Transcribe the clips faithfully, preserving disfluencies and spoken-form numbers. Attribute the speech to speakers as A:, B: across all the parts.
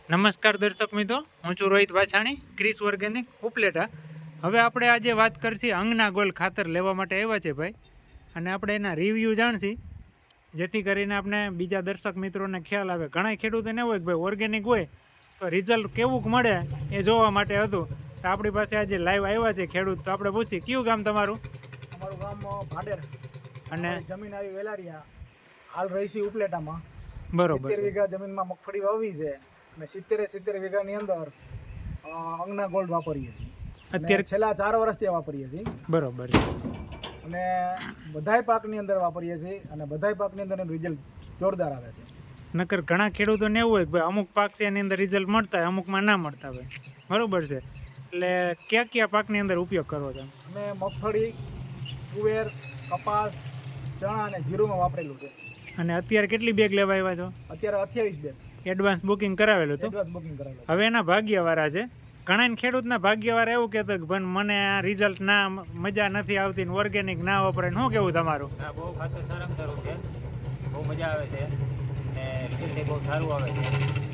A: નમસ્કાર દર્શક મિત્રો, હું છું રોહિત વાછાણી, ક્રિસ ઓર્ગેનિક ઉપલેટા. હવે આપણે આજે વાત કરશી અંગના ગોલ ખાતર લેવા માટે આવ્યા છે ભાઈ, અને આપણે એના રિવ્યૂ જાણશી, જેથી કરીને આપણે બીજા દર્શક મિત્રોને ખ્યાલ આવે. ઘણા ખેડૂતોને એવું હોય કે ભાઈ ઓર્ગેનિક હોય તો રિઝલ્ટ કેવું મળે એ જોવા માટે હતું. તો આપણી પાસે આજે લાઈવ આવ્યા છે ખેડૂત, તો આપણે પૂછી કયું ગામ તમારું?
B: અમારું ગામ ભાડેર
A: અને
B: જમીન આવી વેલારિયા, હાલ રહીશી ઉપલેટામાં.
A: બરોબર,
B: સિત્તેર વીઘા જમીનમાં મગફળી વાવી છે અને સિત્તેરે સિત્તેર વીઘાની અંદર અંગના ગોલ્ડ વાપરીએ છીએ. અત્યારે છેલ્લા ચાર વર્ષથી વાપરીએ છીએ.
A: બરોબર,
B: અને બધાય પાકની અંદર વાપરીએ છીએ અને બધાય પાકની અંદર એનું રિઝલ્ટ જોરદાર આવે છે.
A: નકર ઘણા ખેડૂતોને એવું હોય કે ભાઈ અમુક પાક છે એની અંદર રિઝલ્ટ મળતા હોય, અમુકમાં ના મળતા હોય. બરોબર છે, એટલે કયા કયા પાકની અંદર ઉપયોગ કરવો છે?
B: અમે મગફળી, તુવેર, કપાસ, ચણા અને જીરુંમાં વાપરેલું છે.
A: અને અત્યારે કેટલી બેગ લેવા આવ્યા છો?
B: અત્યારે અઠ્યાવીસ બેગ
A: એડવાન્સ બુકિંગ કરાવેલું હતું.
B: એડવાન્સ બુકિંગ કરાવેલું.
A: હવે એના ભાગ્યવાળા છે. ઘણા ખેડૂતના ભાગ્યવાળા એવું કહેતો કે ભાઈ મને આ રિઝલ્ટ ના મજા નથી આવતી ને ઓર્ગેનિક ના વપરાય. શું કેવું તમારું?
C: હા, બહુ ખાતર સારામાં સારું છે, બહુ મજા આવે છે ને રિઝલ્ટ બહુ સારું આવે છે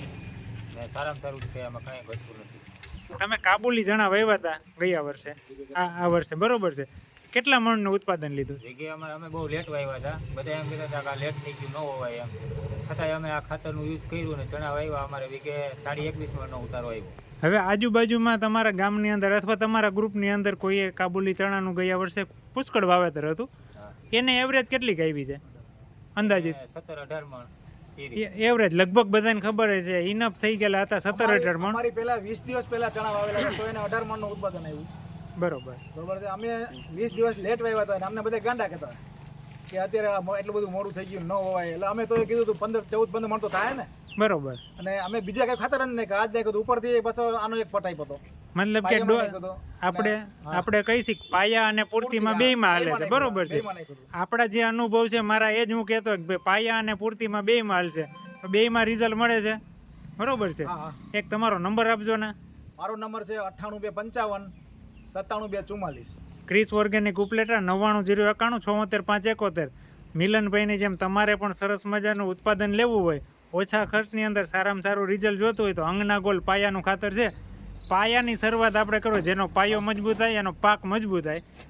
C: ને સારામાં સારું છે, આમાં કાંઈ ઘટતું નથી.
A: તમે કાબુલી ચણા વાવ્યા હતા ગયા વર્ષે, આ આ વર્ષે બરોબર છે. કેટલા મણનું ઉત્પાદન લીધું?
C: જગ્યાએ અમે અમે બહુ લેટ વાવ્યા હતા. બધા એમ કહેતા હતા કે આ લેટ થઈ ગયું, ન હોવાય એમ. છતાંય અમે આ ખાતરનું યુઝ કર્યું ને ચણા વાવ્યા. અમારે વીઘે સાડી એકવીસ મણનો ઉતારો આવ્યો.
A: હવે આજુબાજુમાં તમારા ગામની અંદર અથવા તમારા ગ્રુપની અંદર કોઈએ કાબુલી ચણાનું ગયા વર્ષે પુષ્કળ વાવેતર હતું, એને એવરેજ કેટલી આવી છે અંદાજિત?
C: સત્તર અઢાર મણ
A: એવરેજ લગભગ બધાને ખબર છે. ઇનફ થઈ ગયેલા હતા સત્તર અઢાર મણ.
B: અમારી પહેલા વીસ દિવસ પહેલા ચણા વાવેલા તો એને અઢાર મણનું ઉત્પાદન આવ્યું.
A: બરોબર
B: બરોબર છે. અમે વીસ દિવસ લેટ વાવ્યા હતા અને અમને બધા ગાંડા કહેતા કે અત્યારે એટલું બધું મોડું થઈ ગયું, ન હોવાય. એટલે અમે તો એ કીધું હતું પંદર ચૌદ પંદર મણ તો થાય ને.
A: બરોબર. અને
B: અમે બીજા કઈ ખાતર જ નહીં કે આજ નાખ્યું ઉપરથી પાછો આનો એક પટાઈ હતો.
A: મતલબ કે આપણે આપણે કહી શીખ પાયા અને પૂર્તિમાં બેયમાં હાલે છે. બરોબર છે. આપણા જે અનુભવ છે મારા એ જ હું કહેતો કે ભાઈ પાયા અને પૂર્તિમાં બેયમાં હાલશે, બેયમાં રિઝલ્ટ મળે છે. બરોબર છે. એક તમારો નંબર આપજો ને.
B: મારો નંબર છે અઠ્ઠાણું બે પંચાવન સત્તાણું બે ચુમ્માલીસ.
A: ક્રિસ ઓર્ગેનિક ઉપલેટા નવ્વાણું જીરો એકાણું છોતેર પાંચ એકોતેર. મિલનભાઈની જેમ તમારે પણ સરસ મજાનું ઉત્પાદન લેવું હોય, ઓછા ખર્ચની અંદર સારામાં સારું રિઝલ્ટ જોતું હોય તો અંગના ગોલ પાયાનું ખાતર છે. પાયાની શરૂઆત આપણે કરો, જેનો પાયો મજબૂત થાય એનો પાક મજબૂત થાય.